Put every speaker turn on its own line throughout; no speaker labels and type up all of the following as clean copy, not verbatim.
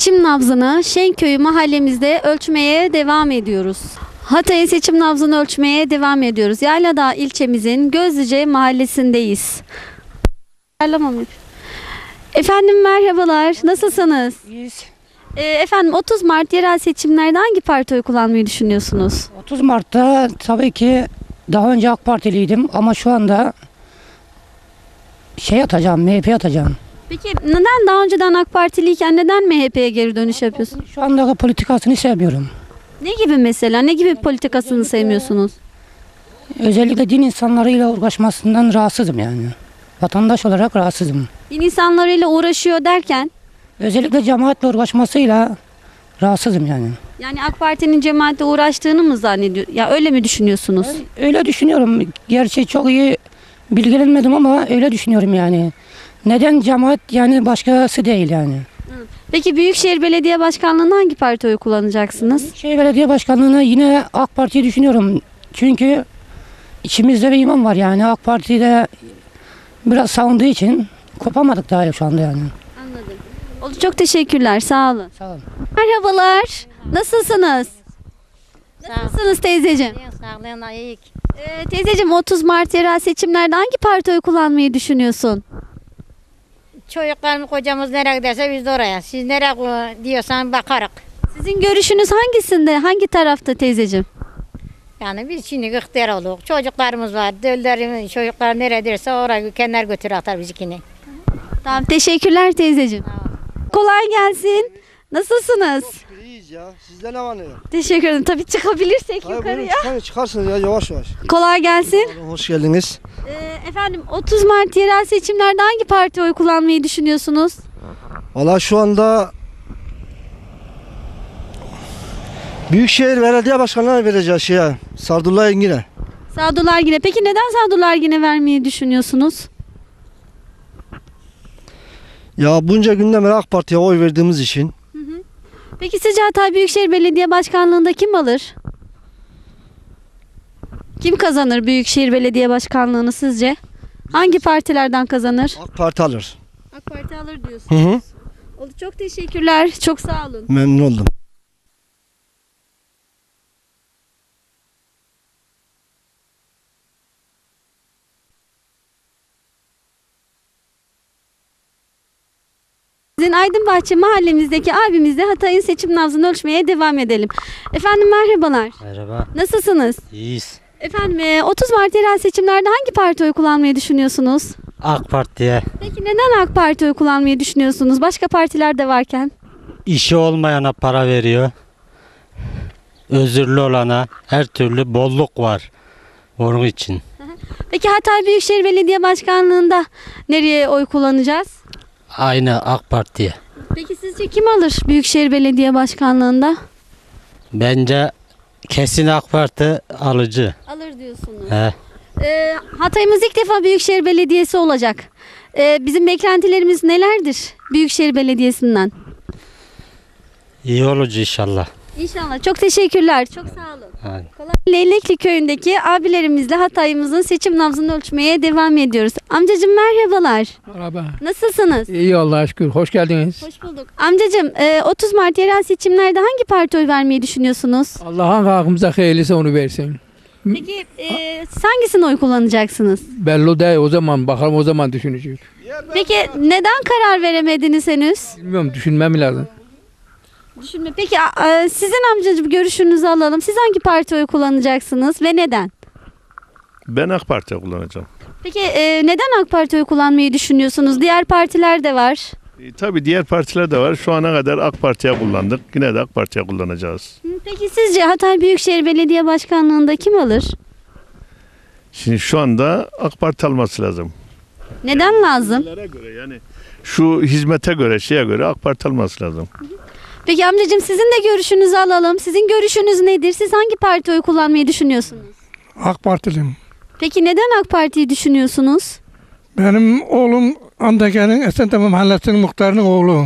Seçim nabzını Şenköy mahallemizde ölçmeye devam ediyoruz. Hatay'ın seçim nabzını ölçmeye devam ediyoruz. Yayladağ ilçemizin Gözlüce mahallesindeyiz. Efendim merhabalar, nasılsınız?
İyiyiz.
Efendim 30 Mart yerel seçimlerde hangi parti oy kullanmayı düşünüyorsunuz?
30 Mart'ta tabii ki daha önce AK Partiliydim ama şu anda atacağım, MHP atacağım.
Peki neden daha önceden AK Partiliyken neden MHP'ye geri dönüş yapıyorsunuz?
Şu andaki politikasını sevmiyorum.
Ne gibi mesela? Ne gibi politikasını sevmiyorsunuz?
Özellikle din insanlarıyla uğraşmasından rahatsızım yani. Vatandaş olarak rahatsızım.
Din insanlarıyla uğraşıyor derken?
Özellikle cemaatle uğraşmasıyla rahatsızım yani.
Yani AK Parti'nin cemaatle uğraştığını mı zannediyor? Ya öyle mi düşünüyorsunuz?
Öyle düşünüyorum. Gerçi çok iyi bilgilenmedim ama öyle düşünüyorum yani. Neden cemaat yani başkası değil yani.
Peki Büyükşehir Belediye Başkanlığı'nda hangi parti oy kullanacaksınız?
Büyükşehir Belediye Başkanlığı'na yine AK Parti'yi düşünüyorum. Çünkü içimizde bir imam var yani AK Parti'de biraz savunduğu için kopamadık daha şu anda yani.
Anladım. Oldu, çok teşekkürler. Sağ olun.
Sağ olun.
Merhabalar. Nasılsınız? Nasılsınız teyzeciğim?
Sağlığına iyi.
Teyzeciğim 30 Mart yerel seçimlerde hangi parti oy kullanmayı düşünüyorsun?
Çocuklarımız kocamız nereye giderse biz de oraya. Siz nereye diyorsan bakarız.
Sizin görüşünüz hangisinde? Hangi tarafta teyzeciğim?
Yani biz şimdi ihtiyar olduk. Çocuklarımız var. Döllerimiz, çocuklar nereye derse oraya kendiler götür atar bizikini.
Tamam, teşekkürler teyzeciğim. Kolay gelsin. Nasılsınız?
İyiyiz ya. Sizde ne var ne yok?
Teşekkür ederim. Tabii çıkabilirsek
Hayır,
yukarıya.
buyurun, çıkarsınız ya yavaş yavaş.
Kolay gelsin.
Hoş geldiniz.
Efendim 30 Mart yerel seçimlerde hangi parti oy kullanmayı düşünüyorsunuz?
Valla şu anda Büyükşehir Belediye Başkanlığı'na vereceğiz Sadullah Engin'e.
Sadullah Ergin'e. Peki neden Sadullah Ergin'e vermeyi düşünüyorsunuz?
Ya bunca günden beri AK Parti'ye oy verdiğimiz için.
Peki sizce Hatay Büyükşehir Belediye Başkanlığı'nda kim alır? Kim kazanır Büyükşehir Belediye Başkanlığı'nı sizce? Hangi partilerden kazanır?
AK Parti alır.
AK Parti alır diyorsunuz.
Hı hı.
Oldu, çok teşekkürler. Çok sağ olun.
Memnun oldum.
Sizin Aydınbahçe mahallemizdeki abimizle Hatay'ın seçim nabzını ölçmeye devam edelim. Efendim merhabalar.
Merhaba.
Nasılsınız?
İyiyiz.
Efendim 30 Mart yerel seçimlerde hangi parti oy kullanmayı düşünüyorsunuz?
AK Parti'ye
Peki neden AK Parti oy kullanmayı düşünüyorsunuz? Başka partiler de varken.
işi olmayana para veriyor. Özürlü olana her türlü bolluk var. Onun için.
Peki Hatay Büyükşehir Belediye Başkanlığı'nda nereye oy kullanacağız?
Aynı AK Parti'ye.
Peki sizce kim alır Büyükşehir Belediye Başkanlığı'nda?
Bence kesin AK Parti alıcı.
Alır diyorsunuz.
He.
Hatay'ımız ilk defa Büyükşehir Belediyesi olacak. Bizim beklentilerimiz nelerdir Büyükşehir Belediyesi'nden?
İyi olucu inşallah.
İnşallah. Çok teşekkürler. Çok sağ olun.
Hadi.
Leylekli köyündeki abilerimizle Hatay'ımızın seçim nabzını ölçmeye devam ediyoruz. Amcacığım merhabalar.
Merhaba.
Nasılsınız?
İyi Allah'a şükür. Hoş geldiniz.
Hoş bulduk. Amcacığım 30 Mart yerel seçimlerde hangi parti oy vermeyi düşünüyorsunuz?
Allah hangi hakkımıza hayırlısı onu versin.
Peki siz hangisine oy kullanacaksınız?
Belli değil o zaman. Bakalım o zaman düşüneceğiz.
Peki neden karar veremediniz henüz?
Bilmiyorum düşünmem lazım.
Peki sizin amcacığım görüşünüzü alalım. Siz hangi parti oy kullanacaksınız ve neden?
Ben AK Parti'ye kullanacağım.
Peki neden AK Parti oy kullanmayı düşünüyorsunuz? Diğer partiler de var.
Tabii diğer partiler de var. Şu ana kadar AK Parti'ye kullandık. Yine de AK Parti'ye kullanacağız.
Peki sizce Hatay Büyükşehir Belediye Başkanlığı'nda kim alır?
Şimdi şu anda AK Parti alması lazım.
Neden lazım?
Göre yani şu hizmete göre, şeye göre AK Parti alması lazım.
Peki amcacığım sizin de görüşünüzü alalım. Sizin görüşünüz nedir? Siz hangi parti oy kullanmayı düşünüyorsunuz?
AK Partiliyim.
Peki neden AK Parti'yi düşünüyorsunuz?
Benim oğlum Andakya'nın Esentepe Mahallesi'nin muhtarının oğlu.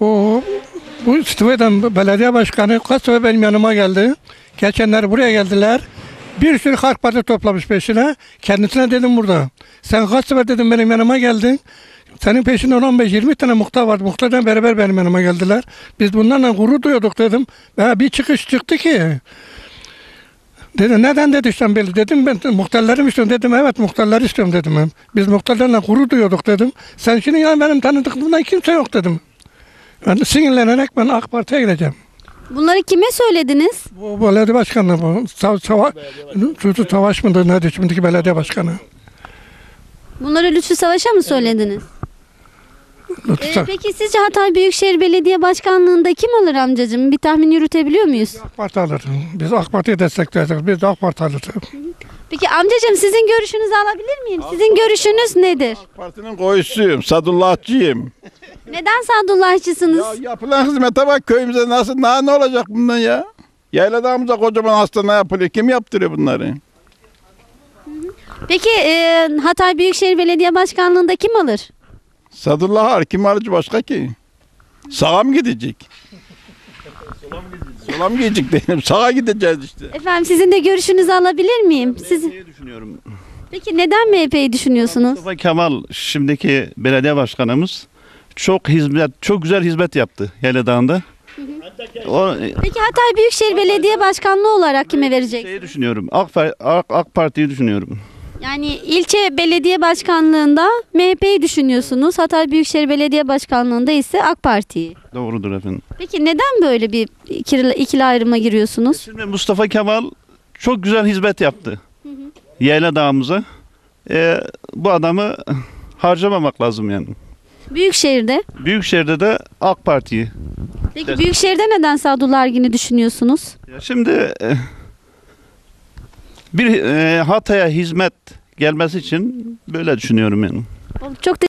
Bu Stıvay'dan belediye başkanı kaç sefer benim yanıma geldi. Geçenler buraya geldiler. Bir sürü AK Parti toplamış peşine. Kendisine dedim burada. Sen kaç sefer dedim benim yanıma geldin. Senin peşinden 15-20 tane muhtar vardı. Muhtardan beraber benim yanıma geldiler. Biz bunlarla gurur duyuyorduk dedim. Bir çıkış çıktı ki. Dedi neden dedi işte belli. Dedim ben muhtarları mı istiyorum dedim. Evet muhtarları istiyorum dedim. Biz muhtarlarla gurur duyuyorduk dedim. Sen şimdi ya benim tanıdıklığımdan kimse yok dedim. Ben sinirlenerek ben AK Parti'ye gideceğim.
Bunları kime söylediniz?
Bu belediye başkanı bu. Savaş mıdır nedir şimdiki belediye başkanı.
Bunları Lütfü Savaş'a mı söylediniz? Peki sizce Hatay Büyükşehir Belediye Başkanlığı'nda kim alır amcacığım? Bir tahmin yürütebiliyor muyuz?
AK Parti alır. Biz AK Parti'yi destekleriz. Biz de AK Parti alır.
Peki amcacığım sizin görüşünüzü alabilir miyim? Sizin görüşünüz nedir?
Partinin koyusuyum, Sadullahçıyım.
Neden Sadullahçısınız?
Ya yapılan hizmete bak köyümüze nasıl, ne olacak bundan ya? Yayladağımıza kocaman hastane yapılıyor. Kim yaptırıyor bunları?
Peki Hatay Büyükşehir Belediye Başkanlığı'nda kim alır?
Sadullah Ar, kim alıcı başka ki? Sağa mı gidecek? Sola mı gidecek dedim. Sağa gideceğiz işte.
Efendim sizin de görüşünüzü alabilir miyim? Siz...
düşünüyorum.
Peki neden MHP'yi düşünüyorsunuz?
Mustafa Kemal şimdiki belediye başkanımız çok güzel hizmet yaptı Yayladağ'ında.
Peki Hatay Büyükşehir Belediye Başkanlığı olarak kime vereceksiniz?
Düşünüyorum. AK Parti'yi düşünüyorum.
Yani ilçe belediye başkanlığında MHP'yi düşünüyorsunuz. Hatay Büyükşehir Belediye Başkanlığında ise AK Parti'yi.
Doğrudur efendim.
Peki neden böyle bir ikili ayrıma giriyorsunuz?
Şimdi Mustafa Kemal çok güzel hizmet yaptı. Yayladağ'ımıza. Bu adamı harcamamak lazım yani.
Büyükşehir'de.
Büyükşehir'de de AK Parti'yi.
Peki Büyükşehir'de neden Sadullah Ergin'i düşünüyorsunuz?
Şimdi bir Hatay'a hizmet gelmesi için böyle düşünüyorum yani.
Çok